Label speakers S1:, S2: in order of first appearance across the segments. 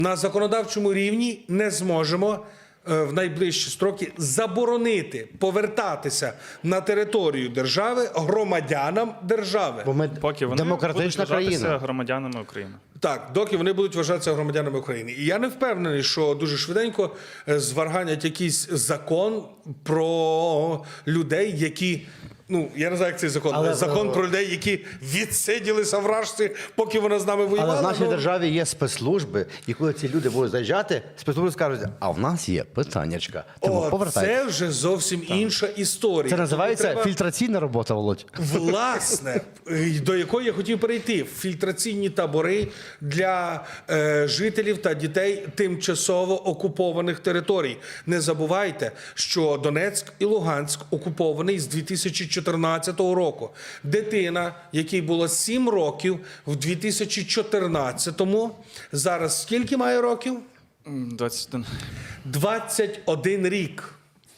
S1: На законодавчому рівні не зможемо в найближчі строки заборонити повертатися на територію держави громадянам держави.
S2: Бо ми
S3: Поки вони
S2: демократична
S3: будуть вважатися
S2: країна.
S3: громадянами України.
S1: Так, доки вони будуть вважатися громадянами України. І я не впевнений, що дуже швиденько зварганять якийсь закон про людей, які... Ну, я не знаю, як цей закон.
S2: Але,
S1: закон про людей, які відсиділися в Рашці, поки вона з нами воювала.
S2: Але в нашій
S1: ну...
S2: державі є спецслужби, і коли ці люди будуть заїжджати, спецслужби скажуть, а в нас є питаннячка. Тому повертайтеся.
S1: Це вже зовсім інша історія.
S2: Це називається
S1: Треба...
S2: фільтраційна робота, Володь.
S1: Власне, до якої я хотів перейти. Фільтраційні табори для жителів та дітей тимчасово окупованих територій. Не забувайте, що Донецьк і Луганськ окупований з 2014 року. Дитина, якій було 7 років в 2014-му, зараз скільки має років?
S3: 21.
S1: 21 рік.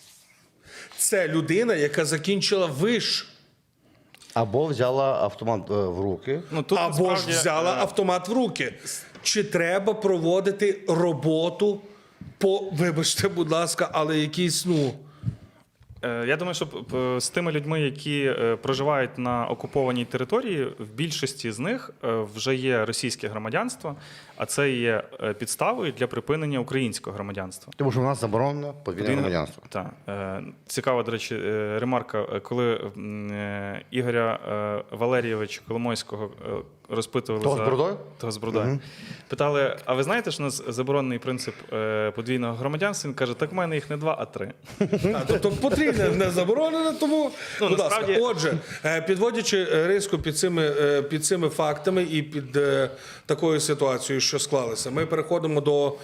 S1: Це людина, яка закінчила виш.
S2: Або взяла автомат в руки.
S3: Ну, тут,
S1: Або
S3: насправді,
S1: ж взяла автомат в руки. Чи треба проводити роботу по, вибачте, будь ласка, але якісь, ну...
S3: Я думаю, що з тими людьми, які проживають на окупованій території, в більшості з них вже є російське громадянство, а це є підставою для припинення українського громадянства.
S2: Тому що в нас заборонено подвійне громадянство.
S3: Так. Цікава, до речі, ремарка, коли Ігоря Валерійовича Коломойського розпитували
S2: Того з бородою?
S3: Того з бородою. Питали, а ви знаєте, що у нас заборонений принцип подвійного громадянства? Він каже, так в мене їх не 2, а 3.
S1: Тобто потрібне не заборонено, тому,
S3: Ну,
S1: будь ласка.
S3: насправді-
S1: Отже, підводячи риску під цими фактами і під такою ситуацією, що склалися, ми переходимо до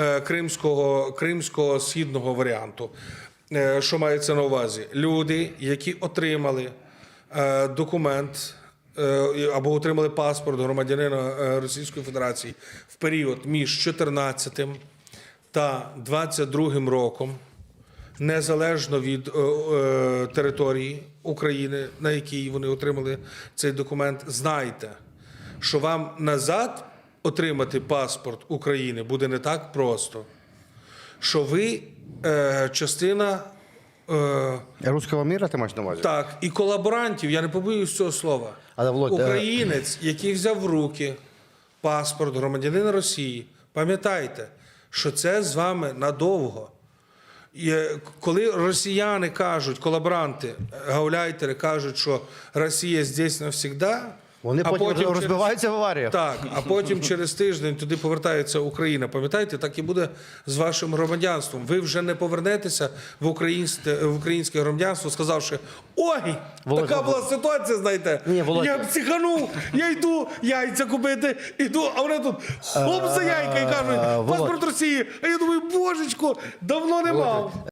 S1: кримського східного варіанту. Що мається на увазі? Люди, які отримали документ або отримали паспорт громадянина Російської Федерації в період між 14 та 22 роком, незалежно від території України, на якій вони отримали цей документ, знайте, що вам назад отримати паспорт України буде не так просто, що ви частина...
S2: Руського міра ти маєш на увазі?
S1: Так, і колаборантів, я не побоюсь цього слова.
S2: Але, Володь,
S1: Українець, який взяв в руки паспорт громадянина Росії, пам'ятайте, що це з вами надовго. І коли росіяни кажуть, колаборанти, гауляйтери кажуть, що Росія здесь навсегда,
S2: Вони
S1: а
S2: потім розбиваються в аваріях.
S1: Так, а потім через тиждень туди повертається Україна. Пам'ятаєте, так і буде з вашим громадянством. Ви вже не повернетеся в українське громадянство, сказавши, ой,
S2: Володь,
S1: така була ситуація, знаєте,
S2: Ні, Володь.
S1: я психанув, я йду яйця купити, іду, а вони тут хлоп за яйка і кажуть, паспорт Росії. А я думаю, божечко, давно не мав.